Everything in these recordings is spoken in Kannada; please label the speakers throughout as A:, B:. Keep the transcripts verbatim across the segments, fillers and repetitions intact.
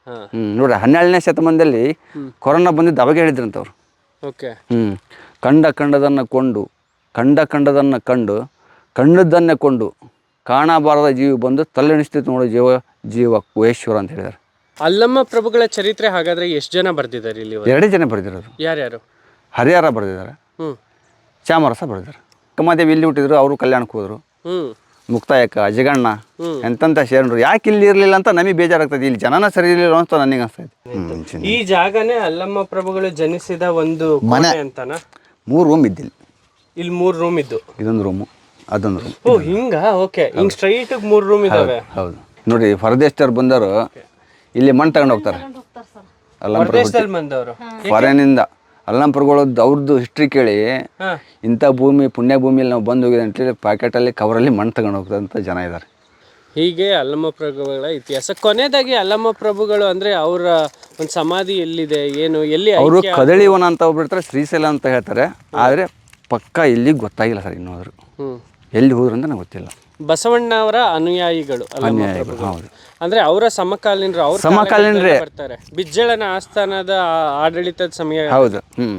A: ಹ್ಞೂ ನೋಡ್ರಿ ಹನ್ನೆರಡನೇ ಶತಮಾನದಲ್ಲಿ ಕೊರೋನಾ ಬಂದಿದ್ದು ಅವಾಗ ಹೇಳಿದ್ರಂತವ್ರು.
B: ಓಕೆ.
A: ಹ್ಞೂ ಕಂಡ ಕಂಡದನ್ನು ಕೊಂಡು ಕಂಡ ಕಂಡದನ್ನು ಕಂಡು ಕಂಡದ್ದನ್ನೇ ಕೊಂಡು ಕಾಣಬಾರದ ಜೀವಿ ಬಂದು ತಲೆಣಿಸ್ತಿತ್ತು ನೋಡು ಜೀವ ಜೀವ ಕುಹೇಶ್ವರ ಅಂತ ಹೇಳಿದ್ದಾರೆ.
B: ಅಲ್ಲಮ್ಮ ಪ್ರಭುಗಳ ಚರಿತ್ರೆ ಹಾಗಾದ್ರೆ ಎಷ್ಟು ಜನ ಬರ್ದಿದ್ದಾರೆ ಇಲ್ಲಿ?
A: ಎರಡೇ ಜನ ಬರೆದಿರೋದು.
B: ಯಾರ್ಯಾರು?
A: ಹರಿಹರ ಬರೆದಿದ್ದಾರೆ,
B: ಹ್ಞೂ
A: ಚಾಮರಸ ಬರೆದಿದ್ದಾರೆ. ಕಮಾದೇವಿ ಇಲ್ಲಿ ಹುಟ್ಟಿದ್ರು, ಅವರು ಕಲ್ಯಾಣಕ್ಕೆ ಹೋದರು.
B: ಹ್ಞೂ
A: ಮುಕ್ತಾಯಕ್ಕ ಅಜಗಣ್ಣ ಎಂತೆಂಥ ಶರಣರು ಯಾಕೆ ಇಲ್ಲಿ ಇರಲಿಲ್ಲ ಅಂತ ನಮಗೆ ಬೇಜಾರಾಗ್ತದೆ. ಇಲ್ಲಿ ಜನನ ಸರಿ ಇರಲಿಲ್ಲ ಅಂತ ನನಗೆ ಅನಿಸ್ತೈತೆ.
B: ಈ ಜಾಗನೇ ಅಲ್ಲಮ್ಮ ಪ್ರಭುಗಳು ಜನಿಸಿದ ಒಂದು ಮನೆ ಅಂತಾನ?
A: ಮೂರು ರೂಮ್ ಇದ್ದಿಲ್ಲ.
B: ಇಲ್ಲಿ ಮೂರು ರೂಮ್ ಇದ್ದು, ಇದೊಂದು
A: ರೂಮು ಅದೊಂದು ರೂಮ್.
B: ಓ ಹಿಂಗ? ಓಕೆ. ಹಿಂಗ್ ಸ್ಟ್ರೈಟ್ ಮೂರು ರೂಮ್ ಇದಾವೆ.
A: ಹೌದು ನೋಡಿ, ಹೊರದೇಶದವ್ರು ಬಂದವರು ಇಲ್ಲಿ ಮಣ್ಣು ತಗೊಂಡು ಹೋಗ್ತಾರೆ.
B: ಹೊರದೇಶದಲ್ಲಿ ಬಂದವರು
A: ಫಾರಿನಿಂದ ಅಲ್ಲಂಪುರಗಳದ್ದು ಅವ್ರದ್ದು ಹಿಸ್ಟ್ರಿ ಕೇಳಿ ಇಂಥ ಭೂಮಿ ಪುಣ್ಯ ಭೂಮಿಯಲ್ಲಿ ನಾವು ಬಂದು ಹೋಗಿದೆ ಅಂತೇಳಿ ಪ್ಯಾಕೆಟಲ್ಲಿ ಕವರಲ್ಲಿ ಮಣ್ಣು ತಗೊಂಡು ಹೋಗ್ತಂತ ಜನ ಇದ್ದಾರೆ.
B: ಹೀಗೆ ಅಲ್ಲಮ್ಮ ಪ್ರಭುಗಳ ಇತಿಹಾಸ. ಕೊನೆಯದಾಗಿ ಅಲ್ಲಮ್ಮ ಪ್ರಭುಗಳು ಅಂದ್ರೆ ಅವರ ಒಂದು ಸಮಾಧಿ ಎಲ್ಲಿದೆ, ಏನು, ಎಲ್ಲಿ?
A: ಅವರು ಕದಳಿವನ ಅಂತ ಹೋಗ್ಬಿಡ್ತಾರೆ, ಶ್ರೀಶೈಲ ಅಂತ ಹೇಳ್ತಾರೆ. ಆದರೆ ಪಕ್ಕ ಇಲ್ಲಿ ಗೊತ್ತಾಗಿಲ್ಲ ಸರ್ ಇನ್ನೋದ್ರು. ಎಲ್ಲಿ ಹೋದ್ರು ಅಂತ ನಂಗೆ ಗೊತ್ತಿಲ್ಲ.
B: ಬಸವಣ್ಣವರ ಅನುಯಾಯಿಗಳು
A: ಅನುಯಾಯಿಗಳು. ಹೌದು,
B: ಅಂದ್ರೆ ಅವರ ಸಮಕಾಲೀನರು, ಅವ್ರ
A: ಸಮಕಾಲೀನರೇ ಬರ್ತಾರೆ.
B: ಬಿಜ್ಜಳನ ಆಸ್ಥಾನದ ಆಡಳಿತದ ಸಮಯ.
A: ಹೌದು. ಹ್ಮ್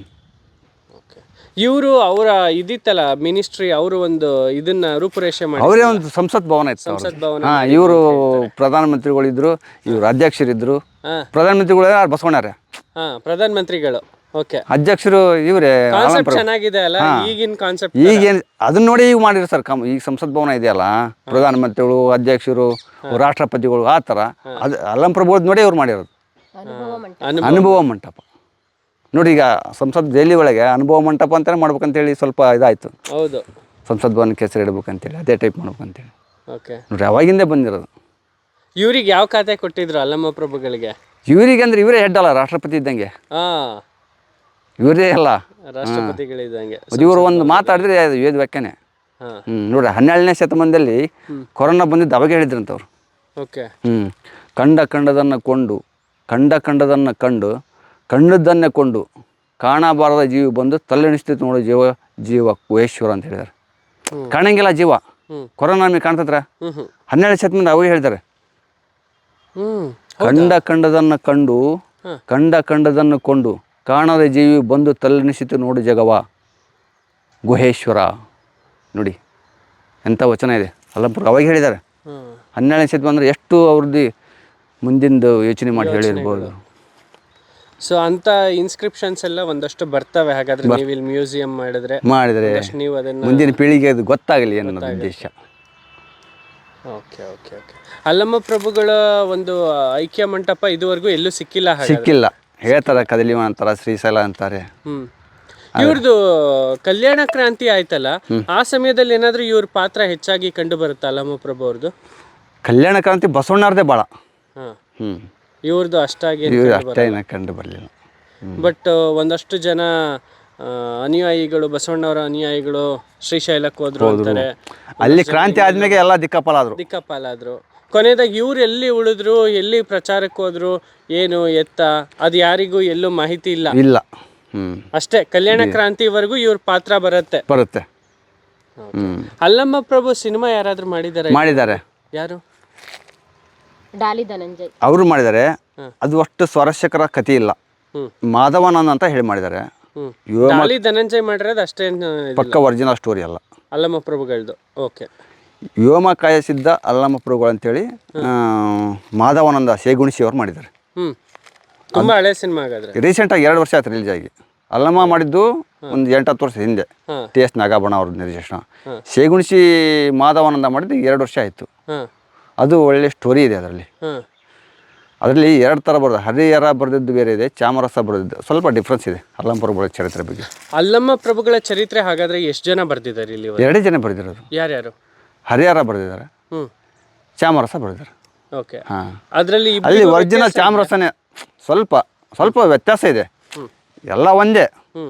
B: ಇವರು ಅವರ ಇದಿತ್ತಲ್ಲ ಮಿನಿಸ್ಟ್ರಿ, ಅವರು ಒಂದು ಇದನ್ನ ರೂಪುರೇಷೆ ಮಾಡಿ,
A: ಅವರೇ ಒಂದು ಸಂಸತ್ ಭವನ ಇತ್ತು.
B: ಸಂಸತ್ ಭವನ.
A: ಹಾ, ಇವರು ಪ್ರಧಾನಮಂತ್ರಿಗಳಿದ್ರು, ಇವರು ಅಧ್ಯಕ್ಷರಿದ್ರು. ಪ್ರಧಾನಮಂತ್ರಿಗಳು ಯಾರು? ಬಸವಣ್ಣರೇ.
B: ಹಾ, ಪ್ರಧಾನ ಮಂತ್ರಿಗಳು. ಓಕೆ.
A: ಅಧ್ಯಕ್ಷರು ಇವರೇ.
B: ಕಾನ್ಸೆಪ್ಟ್ ಚೆನ್ನಾಗಿದೆ ಅಲ್ಲ ಈಗಿನ ಕಾನ್ಸೆಪ್ಟ್.
A: ಈಗೇನು ಅದನ್ನ ನೋಡಿ ಈಗ ಮಾಡಿದ್ರು ಸರ್. ಕಮ್ ಈಗ ಸಂಸತ್ ಭವನ ಇದೆಯಲ್ಲ, ಪ್ರಧಾನಮಂತ್ರಿಗಳು, ಅಧ್ಯಕ್ಷರು, ರಾಷ್ಟ್ರಪತಿಗಳು, ಆ ಥರ ಅದು ಅಲ್ಲಂ ಪ್ರಭು ನೋಡಿ ಇವ್ರು ಮಾಡಿರೋದು. ಅನುಭವ ಮಂಟಪ ನೋಡಿ. ಈಗ ಸಂಸತ್ ದೆಹಲಿ ಒಳಗೆ ಅನುಭವ ಮಂಟಪ ಅಂತಾನೆ ಮಾಡ್ಬೇಕಂತೇಳಿ ಸ್ವಲ್ಪ ಇದಾಯ್ತು.
B: ಹೌದು,
A: ಸಂಸತ್ ಭವನಕ್ಕೆ ಹೆಸರು ಇಡ್ಬೇಕಂತೇಳಿ ಅದೇ ಟೈಪ್ ಮಾಡ್ಬೇಕಂತೇಳಿ.
B: ಓಕೆ.
A: ನೋಡ್ರಿ ಅವಾಗಿಂದೇ ಬಂದಿರೋದು.
B: ಇವ್ರಿಗೆ ಯಾವ ಖಾತೆ ಕೊಟ್ಟಿದ್ರು ಅಲ್ಲಮ್ಮ ಪ್ರಭುಗಳಿಗೆ?
A: ಇವರಿಗೆ ಅಂದ್ರೆ ಇವರೇ ಹೆಡ್ ಅಲ್ಲ, ರಾಷ್ಟ್ರಪತಿ ಇದ್ದಂಗೆ.
B: ಹಾ,
A: ಇವರೇ ಅಲ್ಲ,
B: ರಾಷ್ಟ್ರಪತಿಗಳಿದ್ದಂಗೆ.
A: ಇವರು ಒಂದು ಮಾತಾಡಿದ್ರೆ ವೇದ ವ್ಯಾಖ್ಯಾನೆ. ಹ್ಮ್ ನೋಡ್ರಿ ಹನ್ನೆರಡನೇ ಶತಮಾನದಲ್ಲಿ ಕೊರೋನಾ ಬಂದಿದ್ದು ಅವಾಗ ಹೇಳಿದ್ರಂತವ್ರು.
B: ಓಕೆ.
A: ಹ್ಮ್ ಕಂಡ ಕಂಡದನ್ನು ಕೊಂಡು ಕಂಡ ಕಂಡದನ್ನು ಕಂಡು ಕಂಡದ್ದನ್ನೇ ಕೊಂಡು ಕಾಣಬಾರದ ಜೀವಿ ಬಂದು ತಲೆಣಿಸ್ತಿತ್ತು ನೋಡು ಜೀವ ಜೀವ ಕುಹೇಶ್ವರ ಅಂತ ಹೇಳಿದ್ದಾರೆ. ಕಾಣಂಗಿಲ್ಲ ಜೀವ. ಕೊರೋನಾ ನಮಗೆ ಕಾಣ್ತತ್ರ. ಹನ್ನೆರಡು ಶತಮಾನ ಅವಾಗ ಹೇಳ್ತಾರೆ. ಕಂಡ ಕಂಡದನ್ನು ಕಂಡು ಕಂಡ ಕಂಡದನ್ನು ಕೊಂಡು ಕಾಣದ ಜೀವಿ ಬಂದು ತಲೆಣಿಸಿತು ನೋಡು ಜಗವ ಗುಹೇಶ್ವರ. ನೋಡಿ ಎಂಥ ವಚನ ಇದೆ. ಅಲ್ಲಂಪುರ ಅವಾಗ ಹೇಳಿದ್ದಾರೆ. ಹನ್ನೆರಡನೇ ಶತಮಾನ ಅಂದರೆ ಎಷ್ಟು ಅವ್ರದ್ದು ಮುಂದಿಂದು ಯೋಚನೆ ಮಾಡಿ ಹೇಳಿರ್ಬೋದು.
B: ಸೊ ಅಂತ ಇನ್ಸ್ಕ್ರಿಪ್ಷನ್ಸ್ ಎಲ್ಲ ಒಂದಷ್ಟು ಬರ್ತವೆ. ಹಾಗಾದ್ರೆ ನೀವು ಇಲ್ಲಿ ಮ್ಯೂಸಿಯಂ ಮಾಡಿದ್ರೆ
A: ಮಾಡಿದ್ರೆ
B: ನೀವು ಅದನ್ನ
A: ಮುಂದಿನ ಪೀಳಿಗೆ ಅದು ಗೊತ್ತಾಗಲಿ ಅನ್ನೋ ಉದ್ದೇಶ.
B: Okay okay okay. ಅಲ್ಲಮ್ಮ ಪ್ರಭುಗಳ ಒಂದು ಐಕ್ಯ ಮಂಟಪ ಇದುವರೆಗೂ ಎಲ್ಲೂ ಸಿಕ್ಕಿಲ್ಲ.
A: ಸಿಕ್ಕಿಲ್ಲ ಹೇಳ್ತಾರೆ. ಕದಲಿವನ ಅಂತಾರೆ, ಶ್ರೀಶೈಲ ಅಂತಾರೆ.
B: ಹ್ಮ್ ಇವ್ರದ್ದು ಕಲ್ಯಾಣ ಕ್ರಾಂತಿ ಆಯ್ತಲ್ಲ, ಆ ಸಮಯದಲ್ಲಿ ಏನಾದ್ರೂ ಇವ್ರ ಪಾತ್ರ ಹೆಚ್ಚಾಗಿ ಕಂಡು ಬರುತ್ತಾ ಅಲ್ಲಮ್ಮ ಪ್ರಭು ಅವ್ರದ್ದು?
A: ಕಲ್ಯಾಣ ಕ್ರಾಂತಿ ಬಸವಣ್ಣವ್ರದೇ ಭಾಳ. ಹ್ಮ್
B: ಇವ್ರದ್ದು ಅಷ್ಟಾಗಿ
A: ಅಷ್ಟೇನ ಕಂಡು ಬರಲಿಲ್ಲ.
B: ಬಟ್ ಒಂದಷ್ಟು ಜನ ಅನುಯಾಯಿಗಳು, ಬಸವಣ್ಣವರ ಅನುಯಾಯಿಗಳು ಶ್ರೀಶೈಲಕ್ಕೆ ಹೋದ್ರು ಅಂತಾರೆ.
A: ಅಲ್ಲಿ ಕ್ರಾಂತಿ ಆದ್ಮೇಲೆ ಎಲ್ಲ ದಿಕ್ಕಾಪಾಲಾದ್ರು
B: ದಿಕ್ಕಾಪಾಲಾದ್ರು ಕೊನೆಯದಾಗಿ ಇವ್ರು ಎಲ್ಲಿ ಉಳಿದ್ರು, ಎಲ್ಲಿ ಪ್ರಚಾರಕ್ಕೆ ಹೋದ್ರು, ಏನು ಎತ್ತ, ಅದು ಯಾರಿಗೂ ಎಲ್ಲೂ ಮಾಹಿತಿ ಇಲ್ಲ
A: ಇಲ್ಲ ಹ್ಮ್
B: ಅಷ್ಟೇ. ಕಲ್ಯಾಣ ಕ್ರಾಂತಿವರೆಗೂ ಇವ್ರ ಪಾತ್ರ ಬರುತ್ತೆ
A: ಬರುತ್ತೆ.
B: ಅಲ್ಲಮ್ಮ ಪ್ರಭು ಸಿನಿಮಾ ಯಾರಾದ್ರೂ ಮಾಡಿದ್ದಾರೆ?
A: ಮಾಡಿದ್ದಾರೆ.
B: ಯಾರು?
C: ಡಾಲಿ ಧನಂಜಯ್
A: ಅವರು ಮಾಡಿದ್ದಾರೆ. ಅದು ಅಷ್ಟು ಸ್ವಾರಸ್ಯಕರ ಕಥೆ ಇಲ್ಲ. ಮಾಧವನಂದ ಅಂತ ಹೇಳಿ ಮಾಡಿದ್ದಾರೆ.
B: ಡಾಲಿ ಧನಂಜಯ್ ಮಾಡಿರೋದು ಅಷ್ಟೇನು
A: ಪಕ್ಕ ಒರಿಜಿನಲ್ ಸ್ಟೋರಿ ಅಲ್ಲ
B: ಅಲ್ಲಮ್ಮ ಪ್ರಭುಗಳದ್ದು. ಓಕೆ.
A: ವ್ಯೋಮ ಕಾಯಸಿದ್ದ ಅಲ್ಲಮ್ಮ ಪ್ರಭುಗಳು ಅಂತೇಳಿ ಮಾಧವನಂದ ಸೇಗುಣಿಸಿ ಅವ್ರು ಮಾಡಿದ್ದಾರೆ.
B: ಹ್ಮ್ ತುಂಬಾ ಹಳೆ ಸಿನಿಮಾ ಹಾಗಾದ್ರೆ.
A: ರೀಸೆಂಟಾಗಿ ಎರಡು ವರ್ಷ ಆಯ್ತು ರಿಲೀಸ್ ಆಗಿ. ಅಲ್ಲಮ್ಮ ಮಾಡಿದ್ದು ಒಂದು ಎಂಟತ್ತು ವರ್ಷ ಹಿಂದೆ, ಟಿ ಎಸ್ ನಾಗಾಭರಣ ಅವ್ರ ನಿರ್ದೇಶನ. ಸೇಗುಣಿಸಿ ಮಾಧವನಂದ ಮಾಡಿದ್ದು ಎರಡು ವರ್ಷ ಆಯಿತು. ಅದು ಒಳ್ಳೆ ಸ್ಟೋರಿ ಇದೆ ಅದರಲ್ಲಿ. ಅದರಲ್ಲಿ ಎರಡು ಥರ ಬರೋದು, ಹರಿಹರ ಬರೆದಿದ್ದು ಬೇರೆ ಇದೆ, ಚಾಮರಸ ಬರೆದಿದ್ದು ಸ್ವಲ್ಪ ಡಿಫ್ರೆನ್ಸ್ ಇದೆ ಅಲ್ಲಮ್ಮ ಪ್ರಭುಗಳ ಚರಿತ್ರೆ ಬಗ್ಗೆ.
B: ಅಲ್ಲಮ್ಮ ಪ್ರಭುಗಳ ಚರಿತ್ರೆ ಹಾಗಾದ್ರೆ ಎಷ್ಟು ಜನ ಬರ್ದಿದ್ದಾರೆ ಇಲ್ಲಿ?
A: ಎರಡೇ ಜನ ಬರೆದಿರೋದು.
B: ಯಾರ್ಯಾರು?
A: ಹರಿಹರ ಬರೆದಿದ್ದಾರೆ, ಚಾಮರಸ ಬರೆದಿದ್ದಾರೆ.
B: ಓಕೆ.
A: ಹಾಂ,
B: ಅದರಲ್ಲಿ
A: ಅಲ್ಲಿ ಒರಿಜಿನಲ್ ಚಾಮರಸನೇ. ಸ್ವಲ್ಪ ಸ್ವಲ್ಪ ವ್ಯತ್ಯಾಸ ಇದೆ, ಎಲ್ಲ ಒಂದೇ.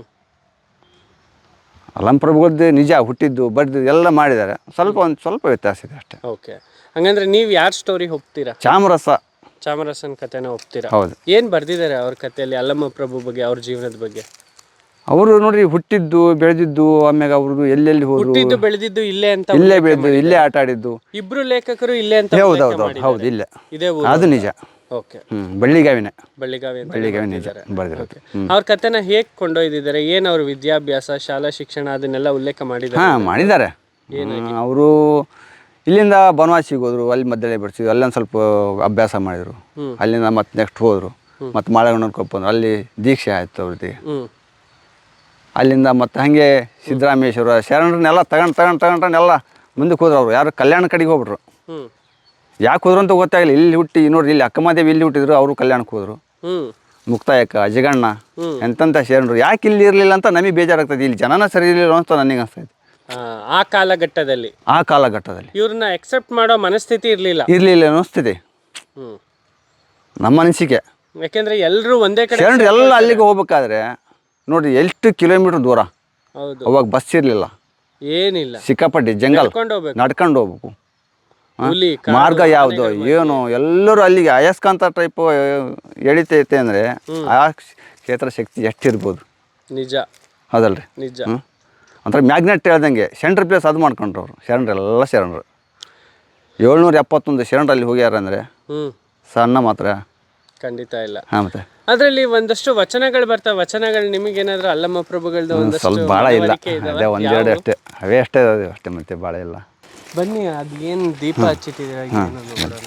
A: ಅಲ್ಲಮ್ಮ ಪ್ರಭುಗಳದ್ದು ನಿಜ ಹುಟ್ಟಿದ್ದು ಬರೆದಿದ್ದು ಎಲ್ಲ ಮಾಡಿದ್ದಾರೆ. ಸ್ವಲ್ಪ ಒಂದು ಸ್ವಲ್ಪ ವ್ಯತ್ಯಾಸ ಇದೆ ಅಷ್ಟೇ.
B: ಓಕೆ. ಹಂಗಂದ್ರೆ ನೀವು ಯಾರ ಸ್ಟೋರಿ ಹೋಗ್ತೀರಾ?
A: ಚಾಮರಸ
B: ಚಾಮರಸನ್ ಕಥೆನ ಹೋಗ್ತೀರಾ?
A: ಹೌದು.
B: ಏನು ಬರ್ದಿದ್ದಾರೆ ಅವ್ರ ಕಥೆಯಲ್ಲಿ ಅಲ್ಲಮ್ಮ ಪ್ರಭು ಬಗ್ಗೆ, ಅವ್ರ ಜೀವನದ ಬಗ್ಗೆ?
A: ಅವರು ನೋಡಿ ಹುಟ್ಟಿದ್ದು ಬೆಳೆದಿದ್ದು, ಆಮ್ಯಾಗ ಅವ್ರದ್ದು ಎಲ್ಲೆಲ್ಲಿ ಹೋದ್ರು,
B: ಹುಟ್ಟಿದ್ದು ಬೆಳೆದಿದ್ದು ಇಲ್ಲೇ ಅಂತ,
A: ಇಲ್ಲೇ ಬೆಳೆದು ಇಲ್ಲೇ ಆಟ ಆಡಿದ್ದು.
B: ಇಬ್ರು ಲೇಖಕರು ಇಲ್ಲೇ ಅಂತ.
A: ಹೌದು ಹೌದು ಹೌದು ಇಲ್ಲೇ,
B: ಇದೇ ಊರು.
A: ಅದು ನಿಜ.
B: ಓಕೆ
A: ಹ್ಞೂ ಬಳ್ಳಿಗಾವಿನೇ
B: ಬಳ್ಳಿಗಾವಿ ಅಂತ
A: ಬಳ್ಳಿಗಾವಿ ನಿಜ ಬರೆದಿರೋದು.
B: ಅವ್ರ ಕಥೆನ ಹೇಗೆ ಕೊಂಡೊಯ್ದಿದ್ದಾರೆ, ಏನು ಅವ್ರ ವಿದ್ಯಾಭ್ಯಾಸ ಶಾಲಾ ಶಿಕ್ಷಣ ಅದನ್ನೆಲ್ಲ ಉಲ್ಲೇಖ ಮಾಡಿದ್ದಾರೆ?
A: ಹಾಂ ಮಾಡಿದ್ದಾರೆ. ಅವರು ಇಲ್ಲಿಂದ ಬನವಾಸಿಗೆ ಹೋದ್ರು, ಅಲ್ಲಿ ಮಧ್ಯದಲ್ಲಿ ಬಿಡಿಸಿದ್ರು, ಅಲ್ಲೊಂದು ಸ್ವಲ್ಪ ಅಭ್ಯಾಸ ಮಾಡಿದರು. ಅಲ್ಲಿಂದ ಮತ್ತೆ ನೆಕ್ಸ್ಟ್ ಹೋದರು, ಮತ್ತು ಮಾಳಗಣ್ಣನ ಕೊಪ್ಪ ಬಂದರು, ಅಲ್ಲಿ ದೀಕ್ಷೆ ಆಯಿತು ಅವ್ರದ್ದು.
B: ಹ್ಞೂ
A: ಅಲ್ಲಿಂದ ಮತ್ತು ಹಾಗೆ ಸಿದ್ದರಾಮೇಶ್ವರ ಶರಣರನ್ನೆಲ್ಲ ತಗೊಂಡು ತಗೊಂಡು ತಗೊಂಡ್ರನ್ನೆಲ್ಲ ಮುಂದಕ್ಕೆ ಹೋದ್ರು. ಅವರು ಯಾರು ಕಲ್ಯಾಣ ಕಡೆಗೆ ಹೋಗ್ಬಿಟ್ರು.
B: ಹ್ಞೂ
A: ಯಾಕೆ ಹೋದ್ರು ಅಂತ ಗೊತ್ತಾಗಲಿಲ್ಲ. ಇಲ್ಲಿ ಹುಟ್ಟಿ ನೋಡ್ರಿ, ಇಲ್ಲಿ ಅಕ್ಕಮಹಾದೇವಿ ಇಲ್ಲಿ ಹುಟ್ಟಿದ್ರು, ಅವರು ಕಲ್ಯಾಣಕ್ಕೆ ಹೋದರು.
B: ಹ್ಞೂ
A: ಮುಕ್ತಾಯಕ್ಕ ಅಜಗಣ್ಣ ಎಂತೆಂಥ ಶರಣರು ಯಾಕೆ ಇಲ್ಲಿ ಇರಲಿಲ್ಲ ಅಂತ ನಮಗೆ ಬೇಜಾರಾಗ್ತದೆ. ಇಲ್ಲಿ ಜನನ ಸರಿ ಇರಲಿಲ್ಲ ಅಂತ ನನಗೆ ಅನಿಸ್ತೈತೆ
B: ಆ ಕಾಲಘಟ್ಟದಲ್ಲಿ.
A: ಆ ಕಾಲಘಟ್ಟದಲ್ಲಿ
B: ಇವ್ರನ್ನ ಎಕ್ಸೆಪ್ಟ್ ಮಾಡೋ ಮನಸ್ಥಿತಿ ಇರಲಿಲ್ಲ
A: ಇರಲಿಲ್ಲ ಅನ್ನಿಸ್ತಿದೆ
B: ಹ್ಞೂ
A: ನಮ್ಮ ಅನಿಸಿಕೆ.
B: ಯಾಕೆಂದ್ರೆ ಎಲ್ಲರೂ ಒಂದೇ ಕಡೆ
A: ಶರಣರು ಎಲ್ಲ ಅಲ್ಲಿಗೆ ಹೋಗ್ಬೇಕಾದ್ರೆ ನೋಡ್ರಿ ಎಷ್ಟು ಕಿಲೋಮೀಟ್ರ್ ದೂರ.
B: ಹೌದು,
A: ಅವಾಗ ಬಸ್ ಇರಲಿಲ್ಲ,
B: ಏನಿಲ್ಲ,
A: ಸಿಕ್ಕಾಪಟ್ಟೆ ಜಂಗಲ್,
B: ನಡ್ಕೊಂಡು ಹೋಗ್ಬೇಕು.
A: ನಡ್ಕೊಂಡು ಹೋಗ್ಬೇಕು.
B: ಹುಲಿ,
A: ಮಾರ್ಗ ಯಾವುದು ಏನು ಎಲ್ಲರೂ ಅಲ್ಲಿಗೆ ಅಯಸ್ಕಾಂತ ಟೈಪ್ ಎಳಿತೈತೆ ಅಂದರೆ ಆ ಕ್ಷೇತ್ರ ಶಕ್ತಿ ಎಷ್ಟಿರ್ಬೋದು.
B: ನಿಜ
A: ಹೌದಲ್ರಿ?
B: ನಿಜ.
A: ಹ್ಞೂ ಒಂಥರ ಮ್ಯಾಗ್ನೆಟ್ ಹೇಳ್ದಂಗೆ ಸೆಂಟ್ರ್ ಪ್ಲೇಸ್ ಅದು ಮಾಡ್ಕೊಂಡ್ರು ಅವರು. ಶರಣರೆಲ್ಲ ಶರಣರು ಏಳ್ನೂರ ಎಪ್ಪತ್ತೊಂದು ಶರಣರಲ್ಲಿ ಹೋಗ್ಯಾರ ಅಂದರೆ
B: ಹ್ಞೂ
A: ಸಣ್ಣ ಮಾತ್ರ
B: ಖಂಡಿತ ಇಲ್ಲ.
A: ಹಾಂ ಮತ್ತೆ
B: ಅದರಲ್ಲಿ ಒಂದಷ್ಟು ವಚನಗಳು ಬರ್ತಾವೆ. ವಚನಗಳು ನಿಮಗೇನಾದ್ರೂ ಅಲ್ಲಮ್ಮ ಪ್ರಭುಗಳದ್ದು ಒಂದಷ್ಟು
A: ಸ್ವಲ್ಪ ಭಾಳ ಇಲ್ಲ,
B: ಮನವರಿಕೆ ಇದಾವ?
A: ಅದೇ ಒಂದೆರಡು ಅಷ್ಟೇ, ಅವೇ ಅಷ್ಟೇ ಅದಾವೆ ಅಷ್ಟೇ, ಮತ್ತೆ ಭಾಳ ಇಲ್ಲ.
B: ಬನ್ನಿ, ಅದು ಏನು ದೀಪ ಹಚ್ಚಿಟ್ಟಿದ್ದೀರಾ ಏನು ನೋಡೋಣ.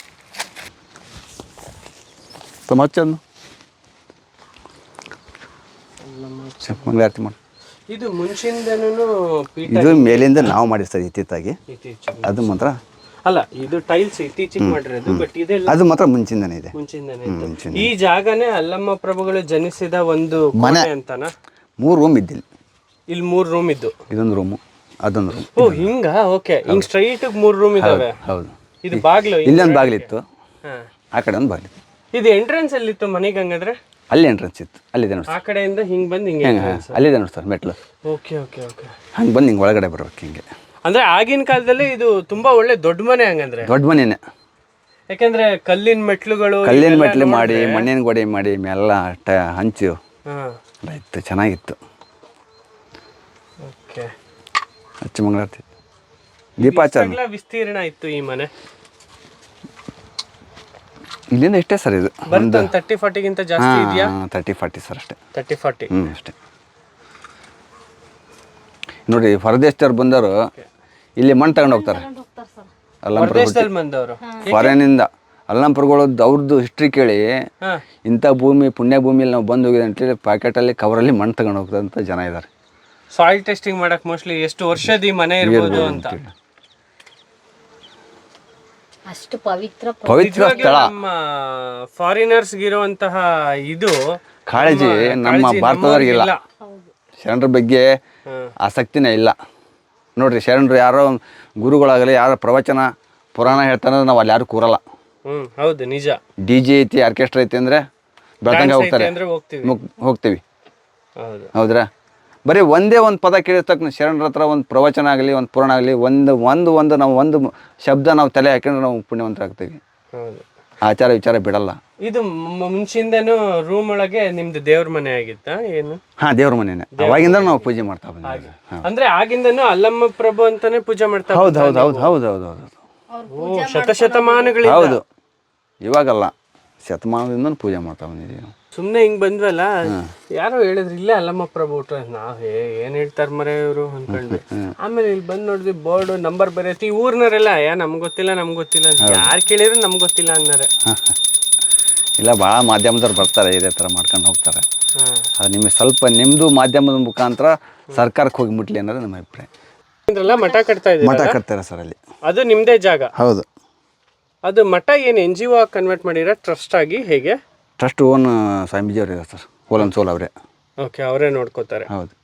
A: ಮಚ್ಚಂದು ಮಂಗಳಾರತಿ ಮಾಡಿ.
B: ಇದು ಮುಂಚಿಂದನೂ ಪೀಠ
A: ಇದು ಮೇಲಿಂದ ನಾವು ಮಾಡಿಸ್ತೀವಿ ಇತ್ತಿತ್ತಾಗಿ.
B: ಇತ್ತೀಚೆಗೆ
A: ಅದು ಮಾತ್ರ
B: ಅಲ್ಲ, ಇದು ಟೈಲ್ಸ್ ಇತ್ತೀಚೆಗೆ ಮಾಡಿರೋದು, ಬಟ್ ಇದೆಲ್ಲ
A: ಅದು ಮಾತ್ರ ಮುಂಚಿಂದನೇ ಇದೆ.
B: ಮುಂಚಿಂದನೇ ಇತ್ತು. ಈ ಜಾಗನೇ ಅಲ್ಲಮ್ಮ ಪ್ರಭುಗಳು ಜನಿಸಿದ ಒಂದು
A: ಮನೆ
B: ಅಂತಾನ?
A: ಮೂರು ರೂಮ್ ಇದ್ದಿಲ್ಲ,
B: ಇಲ್ಲಿ ಮೂರು ರೂಮ್ ಇದ್ದು.
A: ಇದೊಂದು ರೂಮು, ಅದೊಂದು ರೂಮ್.
B: ಓ ಹಿಂಗ? ಓಕೆ, ಹಿಂಗ್ ಸ್ಟ್ರೈಟ್ ಮೂರು ರೂಮ್ ಇದಾವೆ.
A: ಹೌದು,
B: ಇದು ಬಾಗ್ಲು,
A: ಇಲ್ಲೊಂದು ಬಾಗಿಲಿತ್ತು,
B: ಹಾ.
A: ಆ ಕಡೆ ಒಂದು ಬಾಗಿಲಿತ್ತು.
B: ಇದು ಎಂಟ್ರೆನ್ಸ್ ಎಲ್ಲಿತ್ತು ಮನೆಗೆ? ಹಂಗಂದ್ರೆ
A: ಅಲ್ಲಿ ಎಂಟ್ರೆನ್ಸ್ ಇತ್ತು, ಅಲ್ಲಿದೆ ನೋಡಿ
B: ಆ ಕಡೆಯಿಂದ ಹಿಂಗ್ ಬಂದು ಹಿಂಗೆ
A: ಹೆಂಗೆ, ಅಲ್ಲಿದೆ ನೋಡಿ ಸರ್ ಮೆಟ್ಲು.
B: Okay okay okay.
A: ಹಂಗೆ ಬಂದು ಹಿಂಗೆ ಒಳಗಡೆ ಬರ್ಬೇಕು ಹಿಂಗೆ.
B: ಅಂದ್ರೆ ಆಗಿನ ಕಾಲದಲ್ಲಿ ಇದು ತುಂಬಾ ಒಳ್ಳೆ ದೊಡ್ಡ ಮನೆ ಹಂಗಂದ್ರೆ.
A: ದೊಡ್ಡ ಮನೆಯೇ,
B: ಯಾಕಂದ್ರೆ ಕಲ್ಲಿನ ಮೆಟ್ಲುಗಳು,
A: ಕಲ್ಲಿನ ಮೆಟ್ಲು ಮಾಡಿ ಮಣ್ಣಿನ ಗೋಡೆ ಮಾಡಿ ಮೇಲೆಲ್ಲ ಟ ಹಂಚು
B: ಹಾ
A: ಎಲ್ಲ ಇತ್ತು, ಚೆನ್ನಾಗಿತ್ತು.
B: ಓಕೆ.
A: ಹಚ್ಚು ಮಂಗಳಾರತಿ ದೀಪಾಚಾರ
B: ಎಲ್ಲ ವಿಸ್ತೀರ್ಣ ಇತ್ತು ಈ ಮನೆ.
A: ಇಲ್ಲಿಂದ ಇಷ್ಟೇ ಸರ್, ಇದು
B: ಒಂದು ತರ್ಟಿ ಫಾರ್ಟಿಗಿಂತ ಜಾಸ್ತಿ ಇದೆಯಾ?
A: ತರ್ಟಿ ಫಾರ್ಟಿ ಸರ್ ಅಷ್ಟೇ.
B: ತರ್ಟಿ ಫಾರ್ಟಿ
A: ಹ್ಞೂ ಅಷ್ಟೇ. ನೋಡಿ ಹೊರದೇಶದವ್ರು ಬಂದವರು ಇಲ್ಲಿ ಮಣ್ಣು ತಗೊಂಡು ಹೋಗ್ತಾರೆ.
B: ಹೊರದೇಶದಲ್ಲಿ ಬಂದವರು
A: ಫಾರಿನಿಂದ ಅಲ್ಲಂಪುರಗಳದ್ದು ಅವ್ರದ್ದು ಹಿಸ್ಟ್ರಿ ಕೇಳಿ
B: ಹಾ
A: ಇಂಥ ಭೂಮಿ ಪುಣ್ಯ ಭೂಮಿಯಲ್ಲಿ ನಾವು ಬಂದು ಹೋಗಿದೆ ಅಂತೇಳಿ ಪ್ಯಾಕೆಟಲ್ಲಿ ಕವರಲ್ಲಿ ಮಣ್ಣು ತಗೊಂಡು ಹೋಗ್ತಂಥ ಜನ ಇದ್ದಾರೆ.
B: ಸಾಯಿಲ್ ಟೆಸ್ಟಿಂಗ್ ಮಾಡಕ್ ಮೋಸ್ಟ್ಲಿ ಎಷ್ಟು ವರ್ಷದ ಈ ಮನೆ ಇರ್ಬೋದು ಅಂತ.
C: ಅಷ್ಟು ಪವಿತ್ರ
A: ಪವಿತ್ರ ಸ್ಥಳ.
B: ನಮ್ಮ ಫಾರಿನರ್ಸ್ ಇರುವಂತಹ ಇದು
A: ಕಾಳಜಿ ನಮ್ಮ ಭಾರತದವ್ರಿಗಿಲ್ಲ. ಶರಣರ ಬಗ್ಗೆ
B: ಹ್ಮ್.
A: ಆಸಕ್ತಿನೇ ಇಲ್ಲ ನೋಡ್ರಿ. ಶರಣರು ಯಾರೋ ಗುರುಗಳಾಗಲಿ ಯಾರೋ ಪ್ರವಚನ ಪುರಾಣ ಹೇಳ್ತಾನೆ ನಾವು ಅಲ್ಲಿ ಯಾರು ಕೂರಲ್ಲ.
B: ಹ್ಮ್ ಹೌದು ನಿಜ.
A: ಡಿ ಜೆ ಐತಿ, ಆರ್ಕೆಸ್ಟ್ರಾ ಐತಿ ಅಂದರೆ ಬೆಳ್ತಂಗೆ ಹೋಗ್ತಾರೆ,
B: ಅಂದ್ರೆ ಹೋಗ್ತೀವಿ.
A: ಮುಗ್- ಹೋಗ್ತೀವಿ
B: ಹೌದು.
A: ಹೌದ್ರಾ? ಬರೀ ಒಂದೇ ಒಂದು ಪದ ಕೇಳಿದ ತಕ್ಷಣ ಶರಣರ ಹತ್ರ ಒಂದು ಪ್ರವಚನ ಆಗಲಿ ಒಂದು ಪುರಾಣ ಆಗಲಿ ಒಂದು ಒಂದು ಒಂದು ನಾವು ಒಂದು ಶಬ್ದ ನಾವು ತಲೆ ಹಾಕೊಂಡ್ರೆ ನಾವು ಪುಣ್ಯವಂತರಾಗ್ತೀವಿ.
B: ಹೌದು.
A: ಆಚಾರ ವಿಚಾರ ಬಿಡಲ್ಲ.
B: ಇದು ಮ- ಮುಂಚಿಂದನೂ ರೂಮ್ ಒಳಗೆ ನಿಮ್ದು ದೇವ್ರ ಮನೆ ಆಗಿತ್ತ ಏನು?
A: ಹಾಂ, ದೇವ್ರ ಮನೆಯೇ. ಅವಾಗಿಂದ ನಾವು ಪೂಜೆ ಮಾಡ್ತಾ ಬಂದಿದ್ದೀವಿ. ಹಾಂ,
B: ಅಂದ್ರೆ ಆಗಿಂದನೂ ಅಲ್ಲಮ್ಮ ಪ್ರಭು ಅಂತಾನೆ ಪೂಜೆ ಮಾಡ್ತಾ
A: ಹೌದು ಹೌದು ಹೌದು ಹೌದು ಹೌದು ಹೌದು
B: ಓ, ಶತಶತಮಾನಗಳಿಂದ.
A: ಹೌದು. ಇವಾಗಲ್ಲ, ಶತಮಾನದಿಂದ ಪೂಜೆ ಮಾಡ್ತಾ ಬಂದಿದ್ದೀವಿ ನಾವು.
B: ಸುಮ್ನೆ ಹಿಂಗ್ ಬಂದ್ವಲ್ಲ, ಯಾರೋ ಹೇಳಿದ್ರು ಇಲ್ಲೇ ಅಲ್ಲಮ್ಮ ಪ್ರಭು ಊಟ. ನಾವ್ ಏ ಏನ್ ಹೇಳ್ತಾರ ಮರೆ ಇವರು ಅನ್ಕೊಂಡ್ವಿ. ಆಮೇಲೆ ಇಲ್ಲಿ ಬಂದ್ ನೋಡಿದ್ವಿ ಬೋರ್ಡ್ ನಂಬರ್ ಬರೆಯತಿ. ಈ ಊರ್ನವರೆಲ್ಲ ಯಾ ನಮ್ಗ್ ಗೊತ್ತಿಲ್ಲ ನಮ್ಗ್ ಗೊತ್ತಿಲ್ಲ ಅಂತ ಯಾರು ಕೇಳಿದ್ರು ನಮ್ಗ್ ಗೊತ್ತಿಲ್ಲ ಅನ್ನೋರೆ.
A: ಇಲ್ಲ, ಭಾಳ ಮಾಧ್ಯಮದವ್ರು ಬರ್ತಾರೆ, ಇದೇ ಥರ ಮಾಡ್ಕೊಂಡು ಹೋಗ್ತಾರೆ.
B: ಹಾ.
A: ಅದು ನಿಮಗೆ ಸ್ವಲ್ಪ ನಿಮ್ಮದು ಮಾಧ್ಯಮದ ಮುಖಾಂತರ ಸರ್ಕಾರಕ್ಕೆ ಹೋಗಿ ಮುಟ್ಲಿ ಅನ್ನೋದು ನಮ್ಮ ಅಭಿಪ್ರಾಯ.
B: ಇದ್ರಲ್ಲ ಮಠ ಕಟ್ತಾ ಇದ್ದೀವಿ,
A: ಮಠ ಕಟ್ತಾರೆ ಸರ್ ಅಲ್ಲಿ.
B: ಅದು ನಿಮ್ದೇ ಜಾಗ?
A: ಹೌದು.
B: ಅದು ಮಠ ಏನು ಎನ್ ಜಿ ಒ ಕನ್ವರ್ಟ್ ಮಾಡಿರ ಟ್ರಸ್ಟ್ ಆಗಿ ಹೇಗೆ?
A: ಟ್ರಸ್ಟ್ ಓನ್ ಸ್ವಾಮೀಜಿಯವರು ಇದ್ದಾರೆ ಸರ್, ಓಲನ್ ಸೋಲ್ ಅವರೇ.
B: ಓಕೆ, ಅವರೇ ನೋಡ್ಕೋತಾರೆ.
A: ಹೌದು.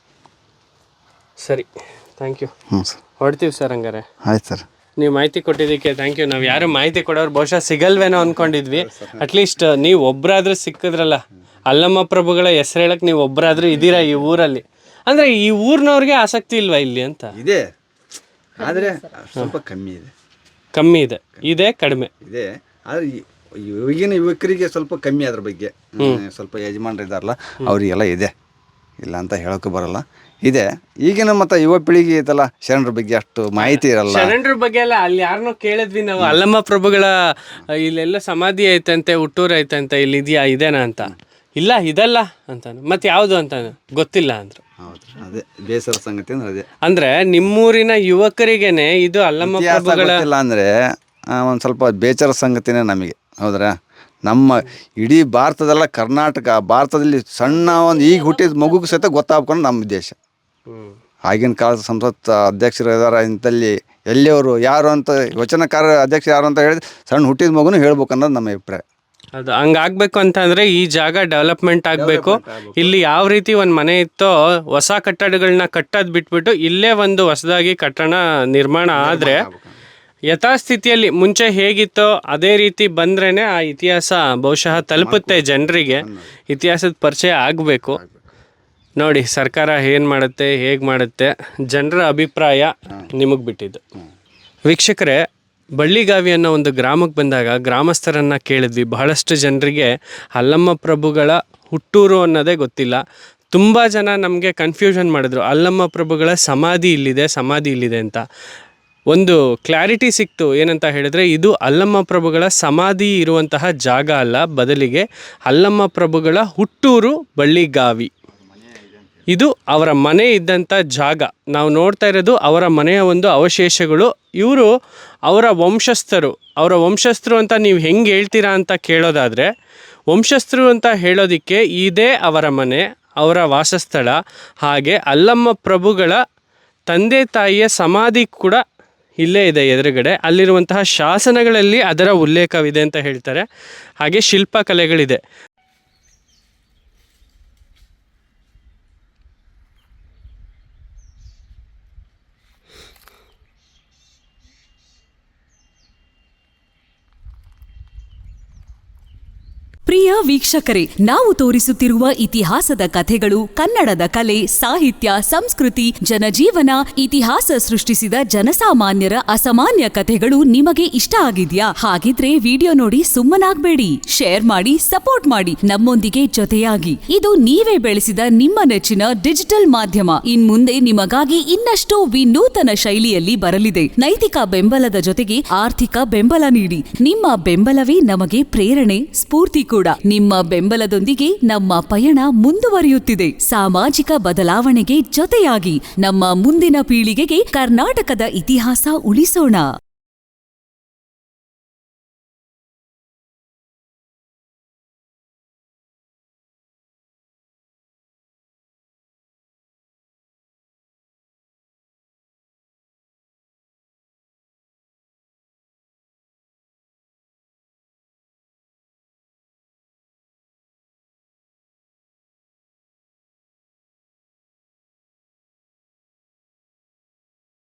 B: ಸರಿ, ಥ್ಯಾಂಕ್ ಯು.
A: ಹ್ಞೂ ಸರ್,
B: ಹೊಡ್ತೀವಿ ಸರ್ ಹಂಗಾರೆ.
A: ಆಯ್ತು ಸರ್.
B: ನೀವು ಮಾಹಿತಿ ಕೊಟ್ಟಿದ್ದಕ್ಕೆ ಥ್ಯಾಂಕ್ ಯು. ನಾವು ಯಾರು ಮಾಹಿತಿ ಕೊಡೋರು ಬಹುಶಃ ಸಿಗಲ್ವೇನೋ ಅಂದ್ಕೊಂಡಿದ್ವಿ. ಅಟ್ಲೀಸ್ಟ್ ನೀವು ಒಬ್ಬರಾದ್ರೂ ಸಿಕ್ಕಿದ್ರಲ್ಲ. ಅಲ್ಲಮ್ಮ ಪ್ರಭುಗಳ ಹೆಸರು ಹೇಳಕ್ಕೆ ನೀವು ಒಬ್ಬರಾದ್ರೂ ಇದ್ದೀರಾ ಈ ಊರಲ್ಲಿ. ಅಂದರೆ ಈ ಊರಿನವ್ರಿಗೆ ಆಸಕ್ತಿ ಇಲ್ವಾ ಇಲ್ಲಿ ಅಂತ?
A: ಇದೆ, ಆದರೆ ಸ್ವಲ್ಪ ಕಮ್ಮಿ ಇದೆ.
B: ಕಮ್ಮಿ ಇದೆ, ಇದೆ ಕಡಿಮೆ
A: ಇದೆ. ಆದರೆ ಈಗಿನ ಯುವಕರಿಗೆ ಸ್ವಲ್ಪ ಕಮ್ಮಿ ಅದ್ರ ಬಗ್ಗೆ. ಸ್ವಲ್ಪ ಯಜಮಾನ್ರು ಇದ್ದಾರಲ್ಲ ಅವರಿಗೆಲ್ಲ ಇದೆ. ಇಲ್ಲ ಅಂತ ಹೇಳೋಕೆ ಬರಲ್ಲ. ಇದೆ ಈಗಿನ ಮತ್ತು ಯುವ ಪೀಳಿಗೆ ಇದೆಲ್ಲ ಶರಣರ ಬಗ್ಗೆ ಅಷ್ಟು ಮಾಹಿತಿ ಇರಲ್ಲ.
B: ಶರಣರ ಬಗ್ಗೆ ಎಲ್ಲ ಅಲ್ಲಿ ಯಾರನ್ನೋ ಕೇಳಿದ್ವಿ ನಾವು, ಅಲ್ಲಮ್ಮ ಪ್ರಭುಗಳ ಇಲ್ಲೆಲ್ಲ ಸಮಾಧಿ ಐತಂತೆ, ಹುಟ್ಟೂರು ಐತಂತೆ, ಇಲ್ಲಿ ಇದೆಯಾ ಇದೇನಾ ಅಂತ. ಇಲ್ಲ ಇದಲ್ಲ ಅಂತಾನು, ಮತ್ತೆ ಯಾವುದು ಅಂತ ಗೊತ್ತಿಲ್ಲ ಅಂದ್ರು.
A: ಹೌದು, ಅದೇ ಬೇಸರ ಸಂಗತಿ ಅಂದ್ರೆ ಅದೇ.
B: ಅಂದ್ರೆ ನಿಮ್ಮೂರಿನ ಯುವಕರಿಗೇನೆ ಇದು ಅಲ್ಲಮ್ಮ
A: ಇತಿಹಾಸ
B: ಪ್ರಭುಗಳ
A: ಗೊತ್ತಿಲ್ಲ ಅಂದರೆ ಒಂದು ಸ್ವಲ್ಪ ಬೇಸರ ಸಂಗತಿನೇ ನಮಗೆ. ಹೌದ್ರಾ? ನಮ್ಮ ಇಡೀ ಭಾರತದಲ್ಲ, ಕರ್ನಾಟಕ ಭಾರತದಲ್ಲಿ ಸಣ್ಣ ಒಂದು ಈಗ ಹುಟ್ಟಿದ ಮಗುಗೆ ಸಹಿತ ಗೊತ್ತಾಗ್ಕೊಂಡು ನಮ್ಮ ಉದ್ದೇಶ. ಆಗಿನ ಕಾಲದ ಸಂಸತ್ ಅಧ್ಯಕ್ಷರು ಇದ್ದಾರೆ ಇಂಥಲ್ಲಿ, ಎಲ್ಲಿಯವರು ಯಾರು ಅಂತ ವಚನಕಾರ ಅಧ್ಯಕ್ಷ ಯಾರು ಅಂತ ಹೇಳಿದ್ರೆ ಸಣ್ಣ ಹುಟ್ಟಿದ ಮಗುನು ಹೇಳ್ಬೇಕು ಅನ್ನೋದು ನಮ್ಮ ಅಭಿಪ್ರಾಯ.
B: ಅದು ಹಂಗಾಗ್ಬೇಕು ಅಂತ ಅಂದ್ರೆ ಈ ಜಾಗ ಡೆವಲಪ್ಮೆಂಟ್ ಆಗಬೇಕು. ಇಲ್ಲಿ ಯಾವ ರೀತಿ ಒಂದು ಮನೆ ಇತ್ತೋ ಹೊಸ ಕಟ್ಟಡಗಳನ್ನ ಕಟ್ಟೋದು ಬಿಟ್ಬಿಟ್ಟು ಇಲ್ಲೇ ಒಂದು ಹೊಸದಾಗಿ ಕಟ್ಟಡ ನಿರ್ಮಾಣ ಆದರೆ ಯಥಾಸ್ಥಿತಿಯಲ್ಲಿ ಮುಂಚೆ ಹೇಗಿತ್ತೋ ಅದೇ ರೀತಿ ಬಂದ್ರೇ ಆ ಇತಿಹಾಸ ಬಹುಶಃ ತಲುಪುತ್ತೆ ಜನರಿಗೆ. ಇತಿಹಾಸದ ಪರಿಚಯ ಆಗಬೇಕು. ನೋಡಿ ಸರ್ಕಾರ ಏನು ಮಾಡುತ್ತೆ, ಹೇಗೆ ಮಾಡುತ್ತೆ, ಜನರ ಅಭಿಪ್ರಾಯ ನಿಮಗೆ ಬಿಟ್ಟಿದ್ದು. ವೀಕ್ಷಕರೇ, ಬಳ್ಳಿಗಾವಿ ಅನ್ನೋ ಒಂದು ಗ್ರಾಮಕ್ಕೆ ಬಂದಾಗ ಗ್ರಾಮಸ್ಥರನ್ನು ಕೇಳಿದ್ವಿ. ಬಹಳಷ್ಟು ಜನರಿಗೆ ಅಲ್ಲಮ್ಮ ಪ್ರಭುಗಳ ಹುಟ್ಟೂರು ಅನ್ನೋದೇ ಗೊತ್ತಿಲ್ಲ. ತುಂಬ ಜನ ನಮಗೆ ಕನ್ಫ್ಯೂಷನ್ ಮಾಡಿದ್ರು, ಅಲ್ಲಮ್ಮ ಪ್ರಭುಗಳ ಸಮಾಧಿ ಇಲ್ಲಿದೆ, ಸಮಾಧಿ ಇಲ್ಲಿದೆ ಅಂತ. ಒಂದು ಕ್ಲಾರಿಟಿ ಸಿಕ್ತು. ಏನಂತ ಹೇಳಿದ್ರೆ, ಇದು ಅಲ್ಲಮ್ಮ ಪ್ರಭುಗಳ ಸಮಾಧಿ ಇರುವಂತಹ ಜಾಗ ಅಲ್ಲ, ಬದಲಿಗೆ ಅಲ್ಲಮ್ಮ ಪ್ರಭುಗಳ ಹುಟ್ಟೂರು ಬಳ್ಳಿಗಾವಿ. ಇದು ಅವರ ಮನೆ ಇದ್ದಂಥ ಜಾಗ. ನಾವು ನೋಡ್ತಾ ಇರೋದು ಅವರ ಮನೆಯ ಒಂದು ಅವಶೇಷಗಳು. ಇವರು ಅವರ ವಂಶಸ್ಥರು. ಅವರ ವಂಶಸ್ಥರು ಅಂತ ನೀವು ಹೆಂಗೆ ಹೇಳ್ತೀರಾ ಅಂತ ಕೇಳೋದಾದರೆ, ವಂಶಸ್ಥರು ಅಂತ ಹೇಳೋದಕ್ಕೆ ಇದೇ ಅವರ ಮನೆ, ಅವರ ವಾಸಸ್ಥಳ. ಹಾಗೆ ಅಲ್ಲಮ್ಮ ಪ್ರಭುಗಳ ತಂದೆ ತಾಯಿಯ ಸಮಾಧಿ ಕೂಡ ಇಲ್ಲೇ ಇದೆ ಎದುರುಗಡೆ. ಅಲ್ಲಿರುವಂತಹ ಶಾಸನಗಳಲ್ಲಿ ಅದರ ಉಲ್ಲೇಖವಿದೆ ಅಂತ ಹೇಳ್ತಾರೆ. ಹಾಗೆ ಶಿಲ್ಪಕಲೆಗಳಿದೆ.
D: ಪ್ರಿಯ ವೀಕ್ಷಕರೇ, ನಾವು ತೋರಿಸುತ್ತಿರುವ ಇತಿಹಾಸದ ಕಥೆಗಳು ಕನ್ನಡದ ಕಲೆ, ಸಾಹಿತ್ಯ, ಸಂಸ್ಕೃತಿ, ಜನಜೀವನ, ಇತಿಹಾಸ ಸೃಷ್ಟಿಸಿದ ಜನಸಾಮಾನ್ಯರ ಅಸಾಮಾನ್ಯ ಕಥೆಗಳು ನಿಮಗೆ ಇಷ್ಟ ಆಗಿದ್ಯಾ? ಹಾಗಿದ್ರೆ ವಿಡಿಯೋ ನೋಡಿ ಸುಮ್ಮನಾಗ್ಬೇಡಿ. ಶೇರ್ ಮಾಡಿ, ಸಪೋರ್ಟ್ ಮಾಡಿ, ನಮ್ಮೊಂದಿಗೆ ಜೊತೆಯಾಗಿ. ಇದು ನೀವೇ ಬೆಳೆಸಿದ ನಿಮ್ಮ ನೆಚ್ಚಿನ ಡಿಜಿಟಲ್ ಮಾಧ್ಯಮ. ಇನ್ ಮುಂದೆ ನಿಮಗಾಗಿ ಇನ್ನಷ್ಟು ವಿನೂತನ ಶೈಲಿಯಲ್ಲಿ ಬರಲಿದೆ. ನೈತಿಕ ಬೆಂಬಲದ ಜೊತೆಗೆ ಆರ್ಥಿಕ ಬೆಂಬಲ ನೀಡಿ. ನಿಮ್ಮ ಬೆಂಬಲವೇ ನಮಗೆ ಪ್ರೇರಣೆ, ಸ್ಫೂರ್ತಿ ಕೂಡ. ನಿಮ್ಮ ಬೆಂಬಲದೊಂದಿಗೆ ನಮ್ಮ ಪಯಣ ಮುಂದುವರಿಯುತ್ತಿದೆ. ಸಾಮಾಜಿಕ ಬದಲಾವಣೆಗೆ ಜೊತೆಯಾಗಿ ನಮ್ಮ ಮುಂದಿನ ಪೀಳಿಗೆಗೆ ಕರ್ನಾಟಕದ ಇತಿಹಾಸ ಉಳಿಸೋಣ.